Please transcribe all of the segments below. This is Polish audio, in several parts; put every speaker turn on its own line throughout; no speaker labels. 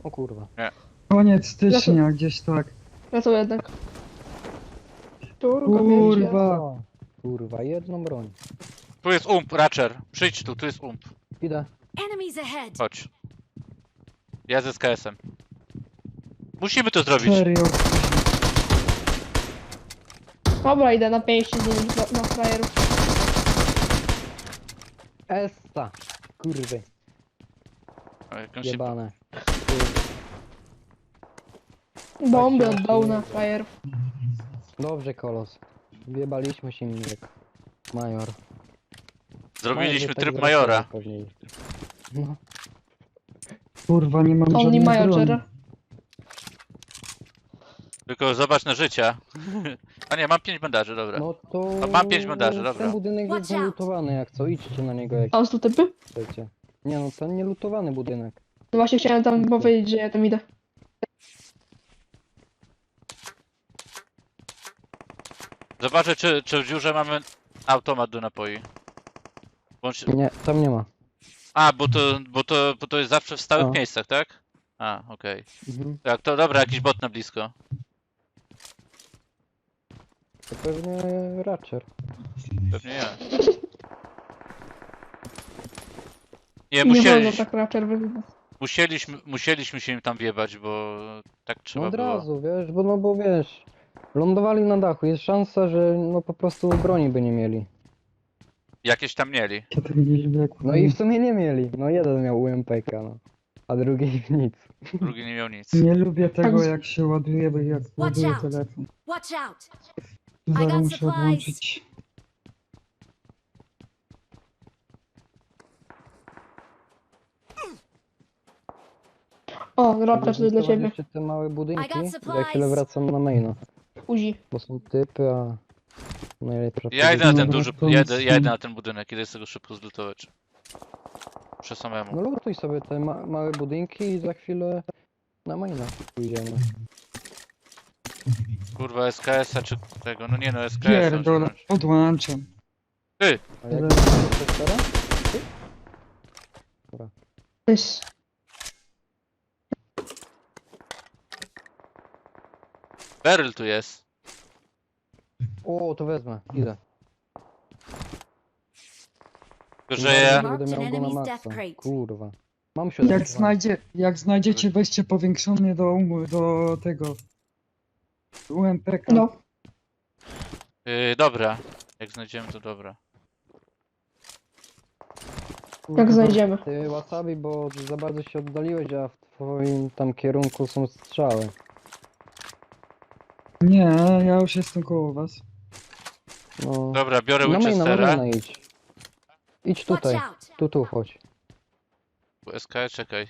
O kurwa.
Koniec stycznia, gdzieś tak.
Ja to jednak. Turka, wiecie.
Kurwa.
Kurwa, jedną broń.
Tu jest ump, Ratcher. Przyjdź tu jest ump.
Idę.
Enemies ahead!
Chodź. Ja z SKS-em. Musimy to zrobić.
Serio.
Dobra, idę na pięści z nimi, na frajerów.
Essa. Kurwy.
O, jakąś się-
Jebane.
Bomby
Tak się
od dołu na
odbije.
frajerów.
Dobrze, kolos. Wjebaliśmy się nim jak major.
Zrobiliśmy
Major, tak
tryb
wracają
majora.
Później. No.
Kurwa, nie mam
Only
żadnej
Major
broni.
Jera.
Tylko zobacz na życia. A nie, mam 5 bandaży, dobra.
No to...
A mam 5 bandaży, dobra.
Ten budynek jest
Watch out.
zalutowany, jak co? Idźcie na niego jak
Tam są typy?
chcecie. Nie no, ten nielutowany budynek.
No właśnie chciałem tam powiedzieć, że ja tam idę.
Zobaczę, czy w dziurze mamy automat do napoi. Bądź...
Nie, tam nie ma.
A, bo to jest zawsze w stałych
No.
miejscach, tak? A, okej.
Mhm.
Tak, to dobra, jakiś bot na blisko.
To pewnie Ratcher.
Pewnie ja. Nie,
Nie wolno tak raczej wyglądać.
musieliśmy się im tam wjebać, bo tak
No
trzeba
od
było.
razu, wiesz, bo wiesz, lądowali na dachu, jest szansa, że no po prostu broni by nie mieli.
Jakieś tam mieli.
Ja tego nie lubię, jak
No i w sumie nie mieli, no jeden miał UMPK, no. A drugi nic.
Drugi nie miał nic.
Nie lubię tego,
Tak.
jak się ładuje, bo jak ładuję
out.
telefon.
Watch out!
Zaraz
got
muszę
supplies.
odłączyć.
O, raptor to dla
Zbudować
ciebie.
jeszcze te małe budynki
I got
i za
supplies.
chwilę wracam na maina.
Uzi.
Bo są typy, a najlepsza
Ja idę na ten
Dobra,
duży,
to
ja
nic
idę
nie-
na ten budynek, idę z tego szybko zlutować. Muszę samemu.
No lutuj sobie te małe budynki i za chwilę na maina pójdziemy.
Kurwa SKS-a czy tego, no nie no SKS-a.
Pierdolę, odłączam.
A jak
Ale-
to teraz?
Nice.
Beryl tu jest.
O, to wezmę, idę.
Tylko, że ja...
Nie będę miał go na
Enemy's
maksa.
death crate.
Kurwa. Mam się
Jak znajdziecie, weźcie powiększony do tego UMPK.
No.
Dobra. Jak znajdziemy to dobra.
Jak znajdziemy.
Ty wasabi, bo za bardzo się oddaliłeś, a w twoim tam kierunku są strzały.
Nie, ja już jestem koło was.
No.
Dobra, biorę
Na
Winchestera.
maina idź. Idź
Watch
tutaj.
out!
Tu chodź.
SKS, czekaj.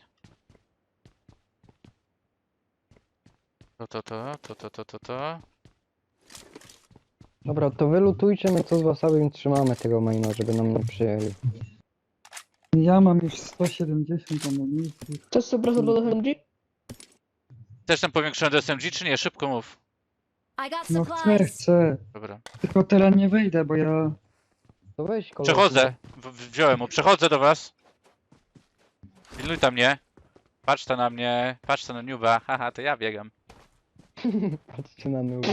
To.
Dobra, to wylutujcie, my co z wasabi trzymamy tego maina, żeby nam nie przyjęli.
Ja mam już 170 amunicji.
To jest super do SMG?
Chcesz ten powiększony do SMG czy nie? Szybko mów.
I got
No chcę,
supplies!
chcę.
Dobra.
Tylko teraz nie wejdę, bo ja...
To weź kolor.
Przechodzę. Wziąłem mu. Przechodzę do was. Pilnuj tam mnie. Patrz ta na mnie. Patrz ta na Nuba. Haha, to ja biegam.
Patrzcie na nóg.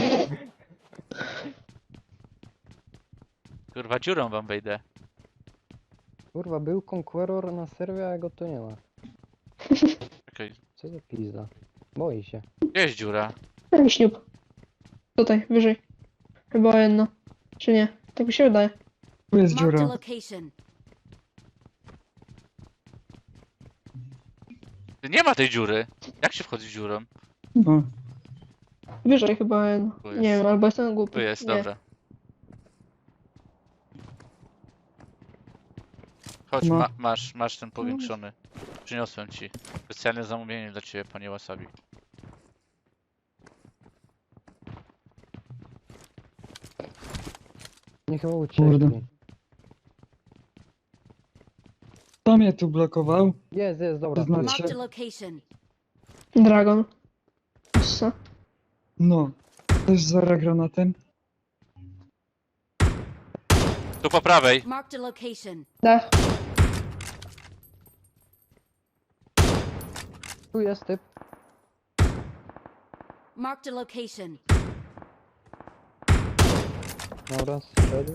Kurwa, dziurą wam wejdę.
Kurwa, był Conqueror na serwie, a go tu nie ma.
Czekaj.
Co za pizda. Boi się.
Gdzie jest dziura?
Ten śniub. Tutaj, wyżej. Chyba jedno. Czy nie? Tak mi się wydaje.
Tu jest
Marked a
dziura.
location.
Nie ma tej dziury. Jak się wchodzi dziurą?
No.
Wyżej chyba jedno.
Tu jest.
Nie wiem, albo jestem głupi.
Tu jest,
Nie.
dobra. Chodź,
No.
masz ten powiększony. Przyniosłem ci. Specjalne zamówienie dla ciebie, panie Wasabi.
Nie chyba
Kurde.
uciekli.
Kto mnie tu blokował?
Jest, dobra.
To
tu jest.
znaczy-
Marked a location.
Dragon. Co?
No. Też zara granatem.
Tu po prawej.
Marked a location.
Dach.
Tu jest typ.
Marked a location.
Dobra, strzelił.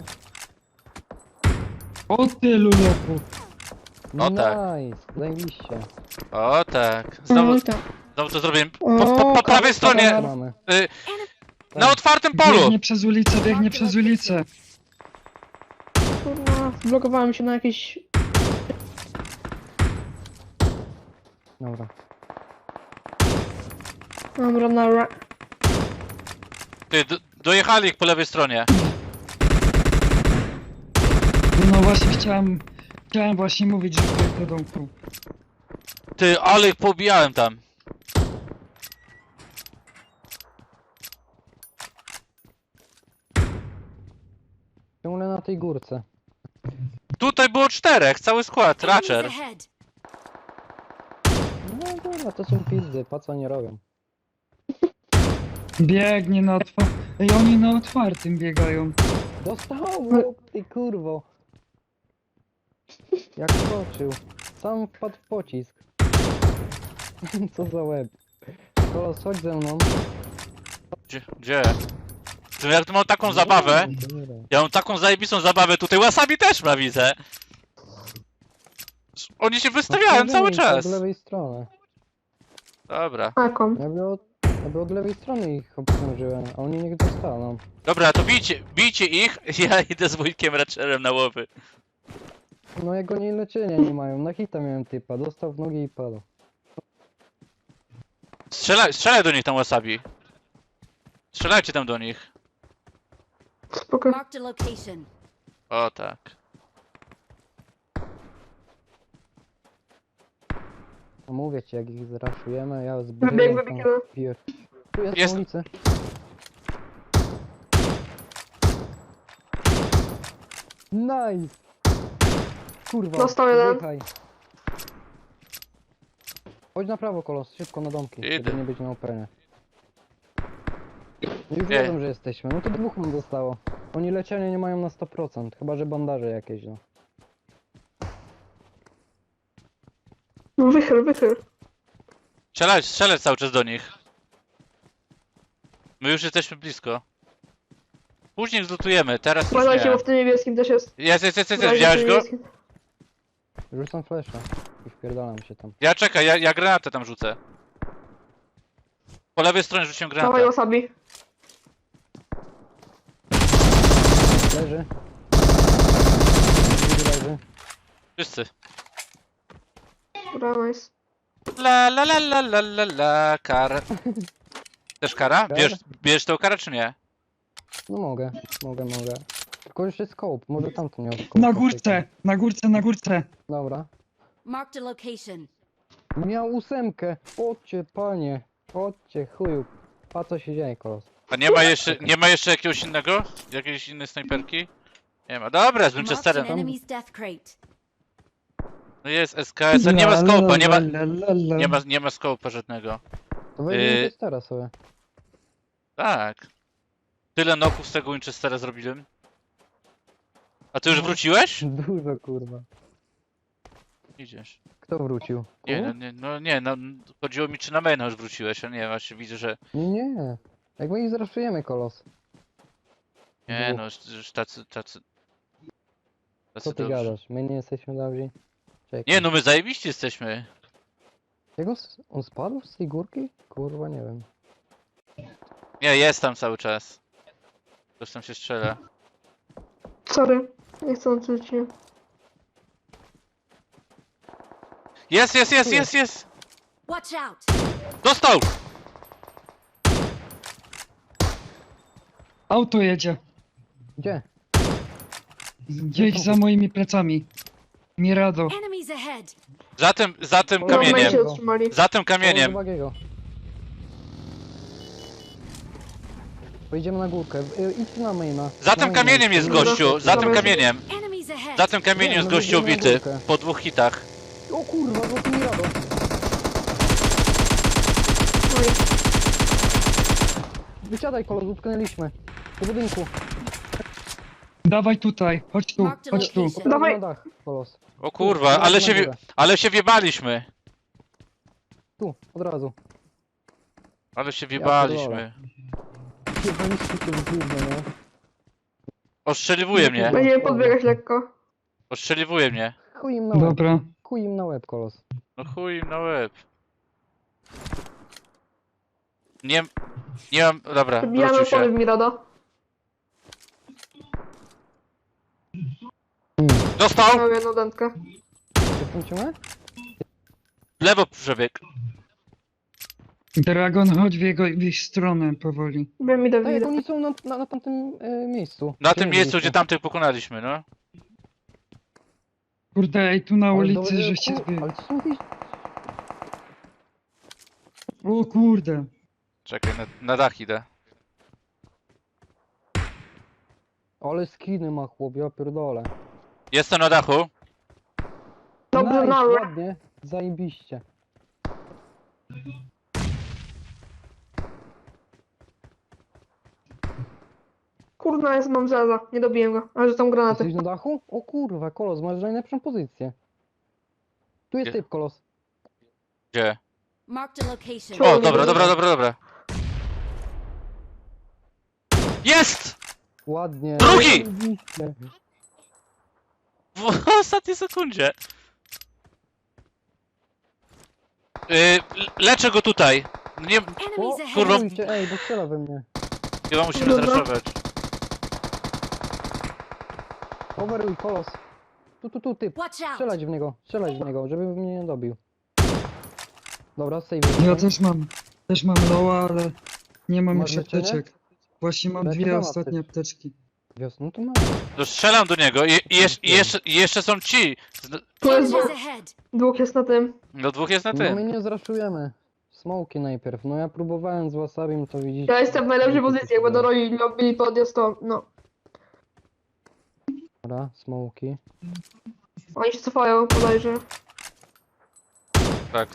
O tylu loków.
O tak.
Nice, zajebiście.
O tak.
No i tak.
Znowu to zrobię.
O,
Po prawej stronie,
Co mamy?
na otwartym polu.
Biegnie przez ulicę, biegnie przez ulicę.
Kurwa, zblokowałem się na jakieś...
Dobra.
Dobra, na...
Ty, dojechali ich po lewej stronie.
No właśnie chciałem właśnie mówić, że tutaj do domku.
Ty, ale ich pobijałem tam.
Ciągle na tej górce.
Tutaj było 4, cały skład,
Enemies
Ratcher.
ahead.
No dobra, to są pizdy, po co nie robią?
Biegnie na otwartym. Ej, oni na otwartym biegają.
Dostał, ty kurwo. Jak skoczył. Sam wpadł w pocisk. Co za łeb. Kolos, chodź ze mną.
Gdzie? Ty, jak tu mam taką zabawę, ja mam taką zajebistą zabawę, tutaj Wasabi też ma, widzę. Oni się wystawiają cały czas.
Z lewej strony.
Dobra.
Jaką?
Ja by od lewej strony ich obsłużyłem, a oni niech dostaną.
Dobra, to bijcie ich, ja idę z wujkiem Ratcherem na łowy.
No jak oni leczenia nie mają, na hita miałem typa, dostał w nogi i padł.
Strzelaj do nich tam Wasabi. Strzelajcie tam do nich.
Spoko.
Marked a location.
O tak.
No mówię ci, jak ich zraszujemy, ja z
Wybieg,
brylem
wybieg,
tam piję. Tu jest,
Jest.
na ulicy. Nice! Kurwa,
Dostał jeden.
zjechaj. Chodź na prawo, Kolos, szybko na domki,
Idę.
żeby nie być na openie. Już
Nie.
wiedzą, że jesteśmy, no to dwóch nam zostało. Oni leczenia nie mają na 100%, chyba że bandaże jakieś, no.
No wychyl.
Strzelać cały czas do nich. My już jesteśmy blisko. Później zlutujemy, teraz już
Uważajcie, bo
nie.
w tym niebieskim też jest.
Jest,
Uważajcie,
widziałeś
w tym
go?
niebieskim.
Rzucam flesza i wpierdalam się tam.
Ja czekaj, ja granatę tam rzucę. Po lewej stronie rzuciłem
Dawaj
granatę.
Wasabi.
Leży. Drugi leży.
Wszyscy.
Dobra, nice.
La, kar. Też kara? Bierzesz tą karę czy nie?
No mogę. Tylko już jest scope, może tamten miał scope.
Na górce.
Dobra.
Marked a location.
Miał 8. Chodźcie, panie. Chodźcie, chuju. A co się dzieje, Kolos?
A nie ma jeszcze jakiegoś innego? Jakiejś innej snajperki? Nie ma. Dobra, z
Marked an
Winchesterem.
enemy's death crate.
No jest SKS, a nie ma scope'a,
nie ma.
nie ma scope'a żadnego.
To weźmiemy teraz sobie.
Tak. Tyle noków z tego Winchestera zrobiłem. A ty już wróciłeś?
Dużo, kurwa.
Idziesz.
Kto wrócił?
No chodziło mi czy na maina już wróciłeś, a nie, właśnie widzę, że
Nie. Jak my ich zraszujemy, Kolos.
nie,
Dwóch.
no już tacy
Co ty
dobrzy.
gadasz? My nie jesteśmy dobrzy? Czekaj.
Nie, no my zajebiści jesteśmy.
Jak on spadł z tej górki? Kurwa, nie wiem.
Nie, jest tam cały czas. Ktoś tam się strzela.
Sorry. Nie chcę odczuć cię.
Jest!
Watch out.
Dostał!
Auto jedzie.
Gdzie?
Gdzieś za moimi plecami. Mirado.
Enemies ahead.
Za tym
No,
No,
kamieniem.
się zatrzymali.
Za tym
Koło
kamieniem.
Bagiego. Pojedziemy na górkę. Idź na maina.
Za
Na
tym
maina.
kamieniem jest
Dobra.
gościu. Za tym
Dobra.
kamieniem.
Enemies ahead.
Za tym kamieniem
Nie,
jest
no
gościu
będziemy na
ubity.
górkę.
Po 2 hitach.
O kurwa, to mi rado.
Oj.
Wysiadaj, Kolos, utknęliśmy. Do budynku.
Dawaj tutaj. Chodź tu.
Marked a location.
Dawaj.
Na dach, Kolos.
O kurwa,
Tu,
ale
na
się,
górę.
ale się wiebaliśmy.
Tu, od razu.
Ale się wjebaliśmy.
Jebaliście tym gówno, nie?
Ostrzeliwuje mnie.
Będziemy podbiegać lekko.
Ostrzeliwuje mnie.
Chuj im na łeb.
Dobra.
Chuj im na łeb, kolos.
No chuj im na łeb. Nie... Nie mam... Dobra,
Wbijamy
wrócił
opony
się.
w Mirado.
Dostał!
Miał jedną dętkę.
Jestem ciągle?
W lewo przebieg.
Dragon, chodź w ich stronę powoli.
Wiem, idę w
Tak jak
Mirado.
oni są na tamtym miejscu.
Na
Gdzie
tym miejscu,
byliście?
gdzie tamtych pokonaliśmy, no.
Kurde, ej, tu na
Ale
ulicy,
dobre-
żeście
kur-
zbiegli.
Ale to są jakieś...
O kurde.
Czekaj, na dach idę.
Ale skiny ma chłop, ja pierdolę.
Jestem na dachu.
Dobrze,
Nice,
na
ładnie, zajebiście.
Kurna, jest mam zeza. Nie dobiłem go. Ale że tam granaty.
Jesteś na dachu? O kurwa, kolos, masz najlepszą pozycję. Tu jest
Gdzie?
typ, kolos.
Gdzie?
Marked a location.
Ciągle.
O, dobra. Jest!
Ładnie.
Drugi!
Zajebiście.
W ostatniej sekundzie. Leczę go tutaj. Nie,
Enemies ahead.
Kurwa.
Stójcie, ej, bo strzela we mnie.
chyba musimy
Dobra.
zraszować.
Overuj, kolos. Tu, typ.
Watch out.
Strzelać w niego, żeby mnie nie dobił. Dobra, save.
Ja też mam loa, ale nie mam
Masz
już
leczenie?
apteczek. Właśnie mam
Leczę
dwie
mam
ostatnie apteczki.
No to mam.
To strzelam do niego i jeszcze są ci.
Tu jest
Enemies ahead.
dwóch jest na tym.
No dwóch jest na
No my
tym.
nie zraszujemy. Smoki najpierw. No ja próbowałem z wasabim, to widzicie.
Ja jestem w najlepszej pozycji. Jak będą robili podjazd, to no.
Dobra, smoki.
Oni się cofają, bodajże.
Tak.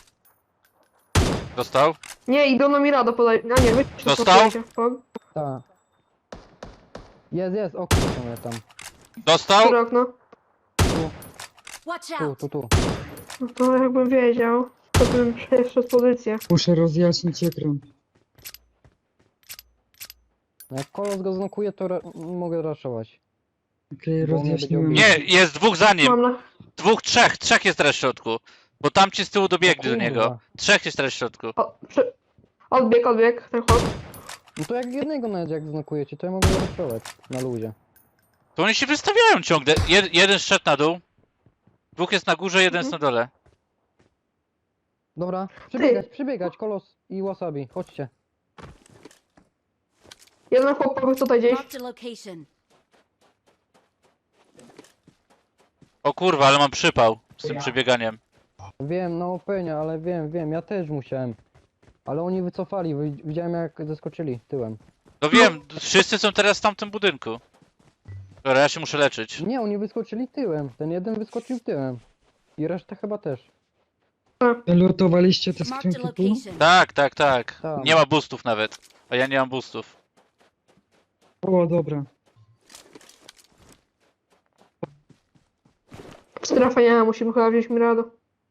Dostał?
Nie, idą na Mirado podajże. A nie, wy się
Dostał?
cofujecie. Pog.
Tak. Jest, okno są tam.
Dostał?
Które okno?
Watch
Tu,
out.
tu.
No to jakbym wiedział, to bym przeszedł pozycję.
Muszę rozjaśnić ekran.
No jak kolos go znokuje, to mogę raszować.
Okej,
Bo on mnie
rozjaśniłem.
będzie
Nie, jest dwóch za nim.
Mam na...
Dwóch, trzech jest teraz w środku. Bo tamci z tyłu dobiegli do
kurwa.
niego. Trzech jest teraz w środku.
O, odbieg, ten chłop.
No to jak jednego nawet jak znokujecie, to ja mogę raszować na luzie.
To oni się wystawiają ciągle. Jeden szedł na dół. Dwóch jest na górze, jeden jest na dole.
Dobra, przybiegać, kolos i wasabi, chodźcie.
Jeden chłop pobiegł tutaj gdzieś.
Marked a location.
No
O kurwa, ale mam przypał z tym przebieganiem.
Wiem, no penia, ale wiem, ja też musiałem. Ale oni wycofali, widziałem jak zeskoczyli tyłem.
No wiem, wszyscy są teraz w tamtym budynku. Dobra, ja się muszę leczyć.
Nie, oni wyskoczyli tyłem, ten jeden wyskoczył tyłem. I reszta chyba też.
Lutowaliście te
Marked a
skrzynki tu?
location.
Tak.
Tak.
Nie ma boostów nawet. A ja nie mam boostów.
O, dobra.
Strefa nie ma, musimy chyba wziąć Mirado.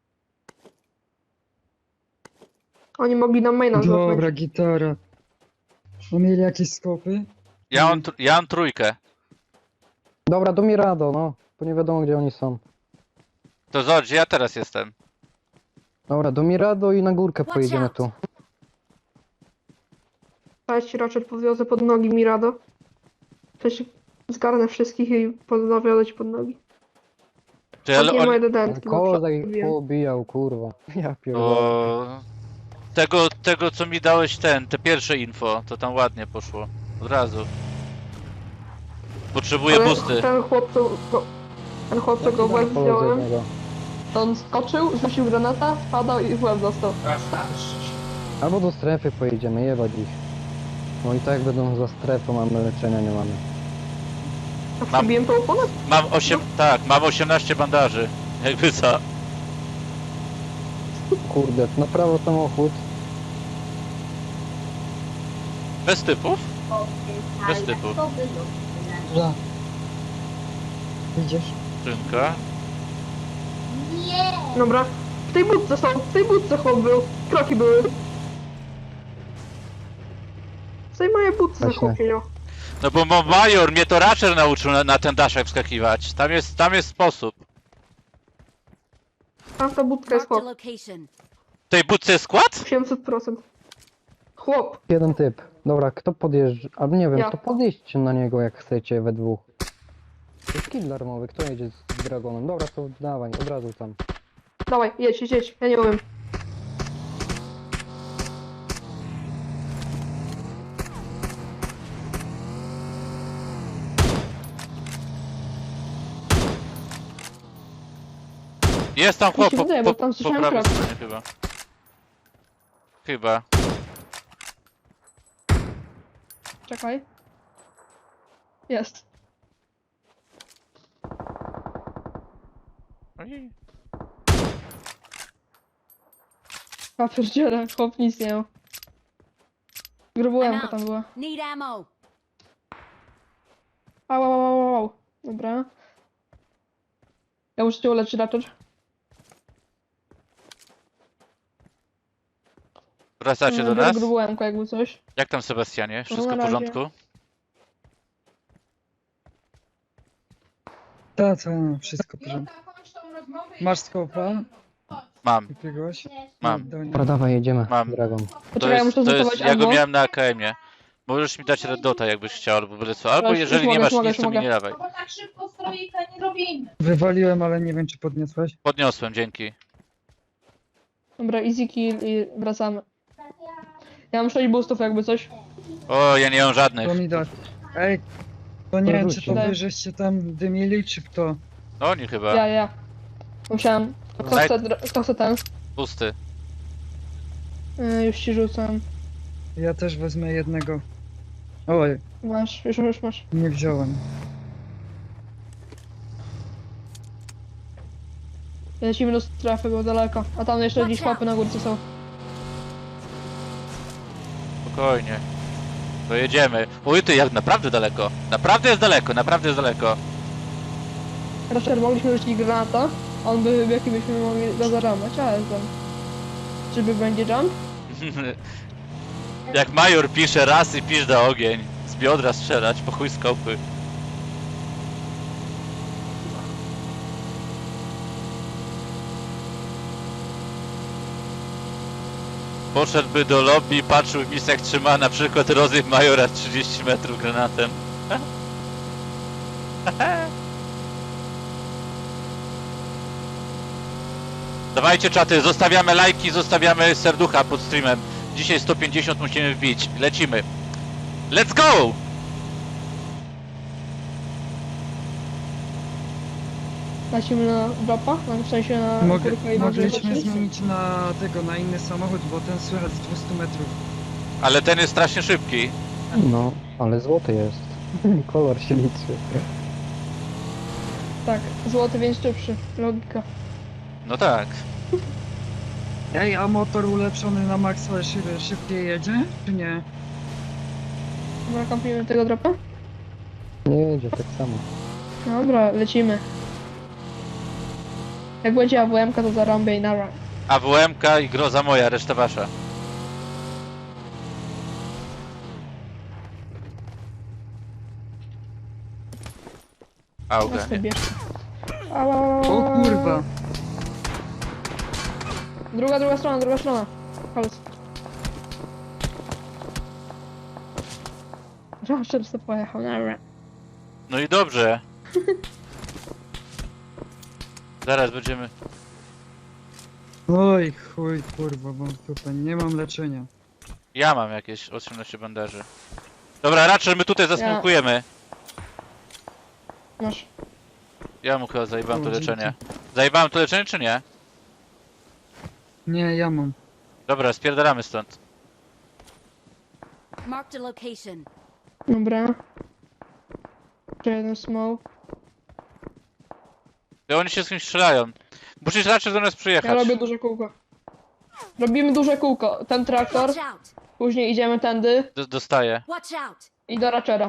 Oni mogli nam maina
Dobra,
złapać.
gitara. A mieli jakieś skopy?
Ja mam trójkę.
Dobra, do Mirado, no. Bo nie wiadomo gdzie oni są.
To zobacz, gdzie ja teraz jestem.
Dobra, do Mirado i na górkę
Watch
pojedziemy
out.
tu.
Ja ci raczej podwiozę pod nogi Mirado. Przecież zgarnę wszystkich i podwiozę ci pod nogi.
Czy ale
Nie ma
on...
jeden dętki.
Kozak ich pobijał, kurwa. Ja pierdolę.
O... Tego co mi dałeś te pierwsze info, to tam ładnie poszło. Od razu. Potrzebuję boosty.
Ten chłop, co go w łeb wziąłem, to on skoczył, rzucił granata, spadał i w łeb dostał.
Albo do strefy pojedziemy, jebać ich. No i tak będą za strefą, mamy leczenia, nie mamy.
A
Mam-
przebiłem tą oponę?
Mam 18 bandaży. Jakby co?
Kurde, na prawo samochód.
Bez typów? Bez typów.
Dobra. Widzisz?
Szynka.
Dobra. W tej budce chłop był. Kroki były. tej moje buty
Właśnie.
zakupił.
No bo Major mnie to Ratcher nauczył na ten daszek wskakiwać. Tam jest sposób.
Tamta budka jest
Marked a
chłop.
location.
W tej budce jest skład?
800%. Chłop.
Jeden typ. Dobra, kto podjeżdża? Albo nie wiem,
Ja.
to podjedźcie na niego jak chcecie we dwóch. To jest kill darmowy, kto jedzie z Dragonem? Dobra, to dawaj, od razu tam.
Dawaj, jedź. Ja nie umiem.
Jest tam chłop
Mi się wydaje, bo tam
po
słyszałem
prawej
kroki.
stronie chyba. Chyba.
Czekaj. Jest.
Ojej.
A pierdziele, chłop nic nie miał. Grubułemka tam była.
Need ammo.
Au. Dobra. Ja muszę cię uleczyć raczej.
Wracacie do nas?
Grubułemka jakby coś.
Jak tam Sebastianie? Wszystko
na
w
razie.
porządku?
Tak, wszystko w porządku. Masz skopa?
Mam.
Jakiegoś?
Mam.
Dobra, dawaj, jedziemy.
Mam.
Dragon.
Poczekaj, ja muszę zastosować
ja go
ammo.
miałem na AKM-ie. Możesz mi dać Red Dota jakbyś chciał, albo byle co. Albo
Już
jeżeli nie
mogę,
masz
już mogę,
nic, to
już
mi
mogę.
nie dawaj.
No bo tak szybko stroika nie robimy.
Wywaliłem, ale nie wiem czy podniosłeś.
Podniosłem, dzięki.
Dobra, easy kill i wracamy. Ja mam 6 boostów jakby coś.
O, ja nie mam żadnych.
To mi dać. Ej, to nie wiem czy to
Daj.
wy żeście tam dymili, czy kto?
Oni chyba.
Ja. Musiałem. Kto
Daj.
chce, kto chce ten?
Pusty.
Już ci rzucam.
Ja też wezmę jednego. Oj,
Masz, już masz.
nie wziąłem.
Lecimy do strefy, bo daleko. A tam jeszcze gdzieś łapy na górce są.
Spokojnie. To jedziemy. Oj, ty, jak naprawdę daleko. Naprawdę jest daleko.
Raczej mogliśmy rzucić granata. On by wybiegł i byśmy mogli go zaramać, ale tam. Czyby będzie jump?
Jak Major pisze raz i pisz do ogień. Z biodra strzelać, po chuj skopy. Poszedłby do lobby i patrzył w misjach, trzyma na przykład rozryw Majora 30 metrów granatem. Dawajcie czaty, zostawiamy lajki, zostawiamy serducha pod streamem. Dzisiaj 150 musimy wbić. Lecimy. Let's go!
Lecimy na dropa? W sensie na górkę i na
Mogliśmy
górkę.
zmienić na inny samochód, bo ten słychać z 200 metrów.
Ale ten jest strasznie szybki.
No, ale złoty jest. Kolor się liczy.
Tak, złoty więc szybszy. Logika.
No tak.
Ej, a motor ulepszony na maksa szybciej jedzie, czy nie?
Dobra, kampujemy tego dropa?
Nie jedzie tak samo.
Dobra, lecimy. Jak będzie AWM-ka to zarąbię i nara.
AWM-ka i groza moja, reszta wasza. Auga,
Teraz
nie.
bierz. Ała.
O kurwa!
Druga strona. Chodź. Zawsze co pojechał, nara.
No i dobrze. Zaraz będziemy...
Oj, chuj, kurwa, bo tutaj nie mam leczenia.
Ja mam jakieś 18 bandaży. Dobra, raczej my tutaj zasmokujemy.
Masz.
Ja mu chyba zajebałem to
O, dzięki.
leczenie. Zajebałem to leczenie czy nie?
Nie, ja mam.
Dobra, spierdalamy stąd.
Marked a location.
Dobra. Jeszcze jeden smoke.
To oni się z kimś strzelają. Musisz raczej do nas
Ja
przyjechać.
robię duże kółko. Robimy duże kółko. Ten traktor,
Watch out.
później idziemy tędy
Dostaję.
Watch out.
i do Ratchera.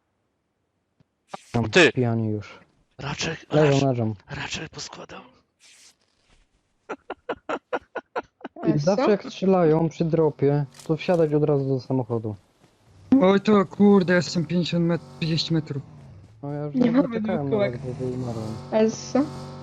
Tam
Ty!
pijani już.
Raczej
Leżą.
poskładał.
I zawsze jak strzelają przy dropie, to wsiadać od razu do samochodu.
Oj to kurde, jestem 50 metrów, 30 metrów.
No ja już
Nie
nie
mamy
czekałem na
kółek.
was, bo umarłem.
Essa.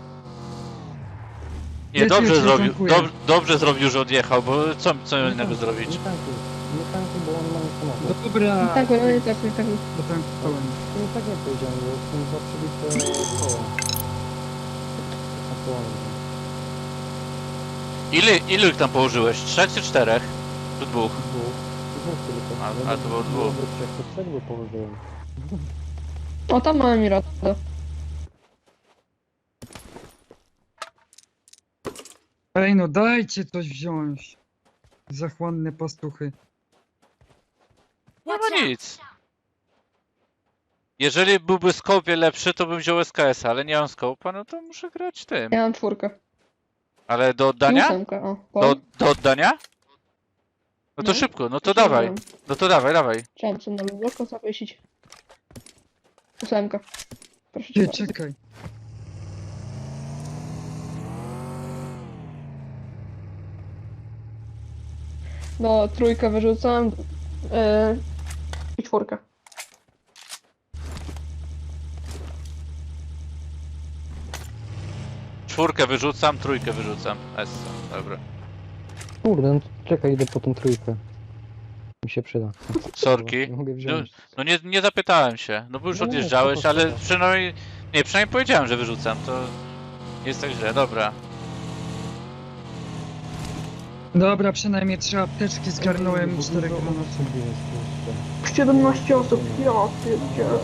Nie,
Wiecie,
dobrze
ja
zrobił,
dziękuję.
dobrze zrobił, że odjechał, bo co innego zrobić?
Nie tankuj, bo on ma nie samochód.
Dobra,
Tak, no nie tak, nie tak.
potankowałem.
Nie tak nie powiedziałem, bo jestem za przybite koło. Na koło.
Ilu ich tam położyłeś? 3 czy 4? Czy 2?
Dwóch tylko.
A to było dwóch.
Jak to trzech by położyłem.
O, tam mamy Mirado.
Ej no dajcie coś wziąć. Zachłanne pastuchy.
Nie
Watch
ma
out!
nic. Jeżeli byłby scope lepszy, to bym wziął SKS, ale nie mam scope'a, no to muszę grać tym.
Ja mam 4.
Ale do
I
oddania?
8, o.
Do oddania? No to
No.
szybko, no to dawaj. No to dawaj.
Chciałem sobie na luboko zawiesić. 8. Proszę cię
Ty,
bardzo.
czekaj.
No, 3 wyrzucam. I 4.
Czwórkę wyrzucam, trójkę wyrzucam. Dobra.
Kurde, no to czekaj, idę po tą trójkę. Mi się przyda.
Sorki.
Nie mogę wziąć.
No nie zapytałem się, no bo już
No nie,
odjeżdżałeś,
spoko,
ale
spoko.
przynajmniej... Nie, przynajmniej powiedziałem, że wyrzucam, to... Nie jest tak źle, dobra.
Dobra, przynajmniej 3 apteczki zgarnąłem i 4 granaty.
17 osób. Ja pierdzielę.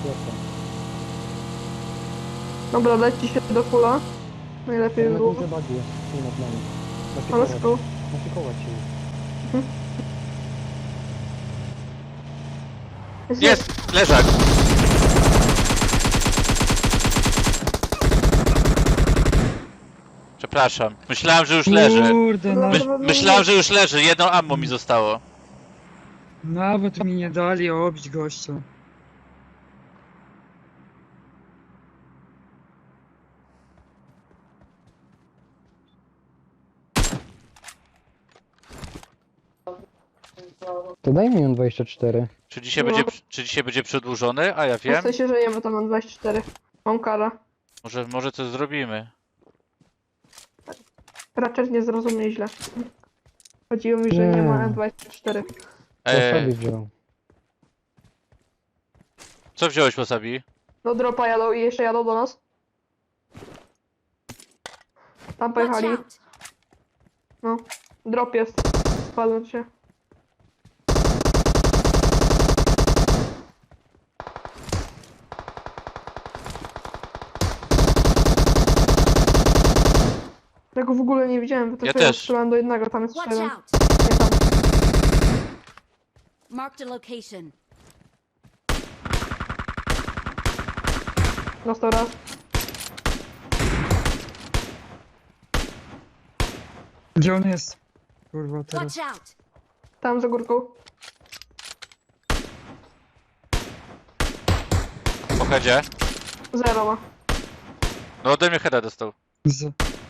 Dobra, leci się do fulla. Najlepiej
Na
było.
górze bagi jest, tu nad nami.
Ale
Naszykować,
skoro.
naszykować się.
Jest! Leżak! Przepraszam, myślałem, że już leży.
Kurde,
Myślałem, że już leży, jedno ammo mi zostało.
nawet mi nie dali obić gościa.
To daj mi on 24.
No.
Czy dzisiaj będzie przedłużony? A ja
W
wiem.
sensie żyjemy tam mam 24. Mam karę.
Może coś zrobimy.
Raczej nie zrozumie źle. Chodziło mi, że nie
Nie.
ma M24.
To sobie
Eee,
wziął.
co wziąłeś, Wasabi?
Do dropa jadą i jeszcze jadą do nas. Tam
Watch
pojechali.
out!
No. Drop jest. Spadłem się. Ja go w ogóle nie widziałem, bo to
Ja
tylko
też.
strzelałem do jednego, tam jest
Watch
jeszcze jeden.
out!
Nie tam.
Marked a location.
Dostał raz.
Gdzie on jest? Kurwa, teraz.
Watch out!
Tam za górką.
Po headzie?
0 ma.
No ode mnie heada dostał.
Z...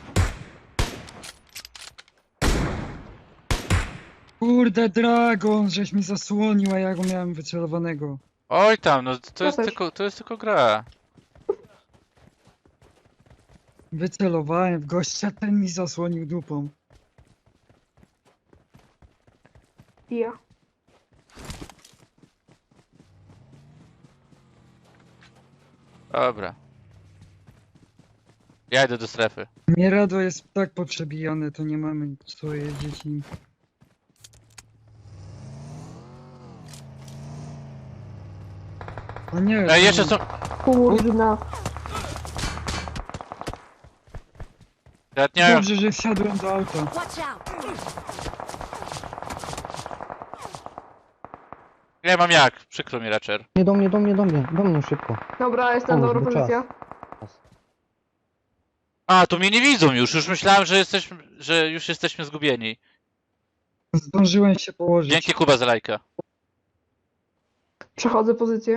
Kurde, Dragon, żeś mi zasłonił, a ja go miałem wycelowanego.
Oj tam, no to
Ja
jest
też.
to jest tylko gra.
Wycelowałem w gościa, ten mi zasłonił dupą.
I ja.
Dobra. Ja idę do strefy.
Mierado jest tak poprzebijane, to nie mamy co jeździć nim. A nie,
Ej, jeszcze są...
Kurna.
Nie,
Dobrze, że wsiadłem do auta.
Watch out!
nie mam jak, przykro mi Ratcher.
Nie do mnie, do mnie, do mnie. Do mnie szybko.
Dobra, jestem
O,
dobra
bo czas.
pozycja.
A, to mnie nie widzą już myślałem, że już jesteśmy zgubieni.
Zdążyłem się położyć.
Dzięki Kuba za lajka.
Przechodzę pozycję.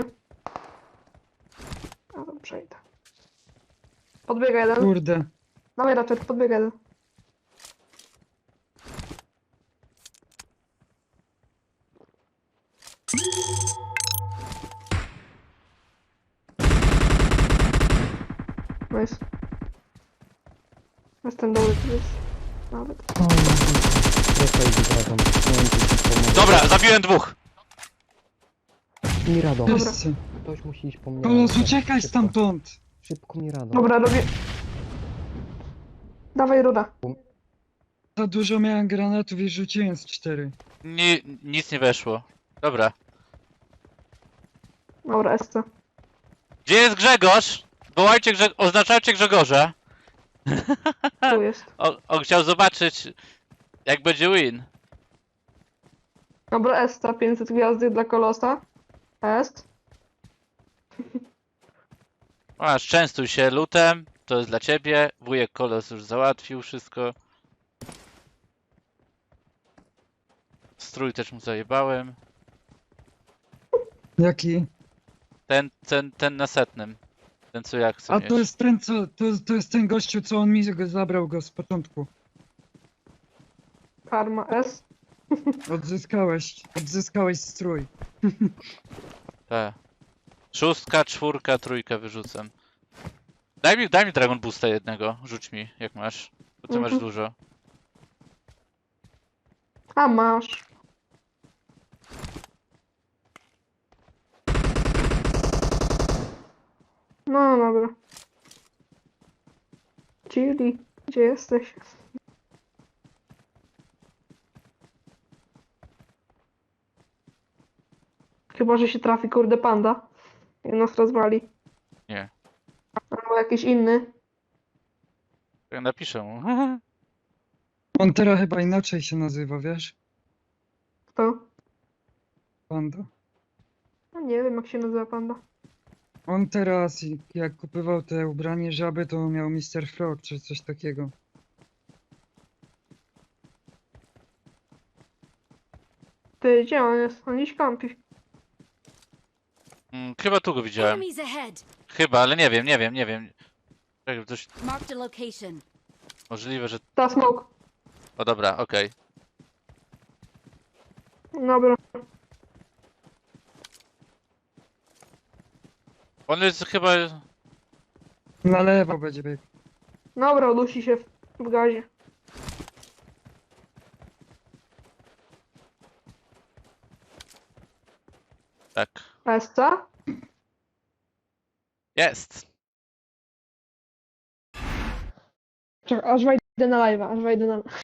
A tam przejdę. Podbiega jeden.
Kurde.
Dawaj raczej, podbiega jeden. Nice. Jestem dobry, to jest... Nawet.
O, czekaj, wygradzam. Nie wiem, czy ci pomogę.
Dobra, zabiłem dwóch.
Mirado.
Wszyscy.
Ktoś musi iść po mnie.
Kolos, uciekaj
Szybko.
stamtąd!
Szybko, Mirado.
Dobra, robię... Dawaj rura.
Za dużo miałem granatów i rzuciłem z 4.
Nic nie weszło. Dobra.
Dobra, SC.
Gdzie jest Grzegorz? Wołajcie oznaczajcie Grzegorza.
Tu jest.
On chciał zobaczyć, jak będzie win.
Dobra, SC, 500 gwiazdy dla Kolosa. Est.
Masz, częstuj się lutem. To jest dla ciebie. Wujek Kolos już załatwił wszystko. Strój też mu zajebałem.
Jaki?
Ten na setnym. Ten co jak chcę
A
mieć.
to jest ten, co... To jest ten gościu, co on mi zabrał go z początku.
Karma S.
Odzyskałeś strój.
Tak. 6, 4, 3 wyrzucam. Daj mi Dragon Boosta jednego. Rzuć mi, jak masz. Bo ty masz
Mhm.
dużo.
A masz. No dobra. Chili, gdzie jesteś? Chyba, że się trafi kurde panda i nas rozwali.
Nie.
Albo jakiś inny.
Ja napiszę mu.
On teraz chyba inaczej się nazywa, wiesz?
Kto?
Panda.
No nie wiem jak się nazywa panda.
On teraz, jak kupował te ubranie żaby, to miał Mr. Frog czy coś takiego.
Ty, gdzie on jest? On gdzieś kampi.
Chyba tu go widziałem.
Enemies ahead.
Chyba, ale nie wiem. Czekaj, coś
Marked a location.
możliwe, że...
Ta smoke.
O dobra, okej.
Dobra.
On jest chyba...
Na lewo będzie biegł.
Dobra, udusi się w gazie.
Tak.
SC?
Jest!
Czekaj, aż wejdę na live'a, aż wejdę na...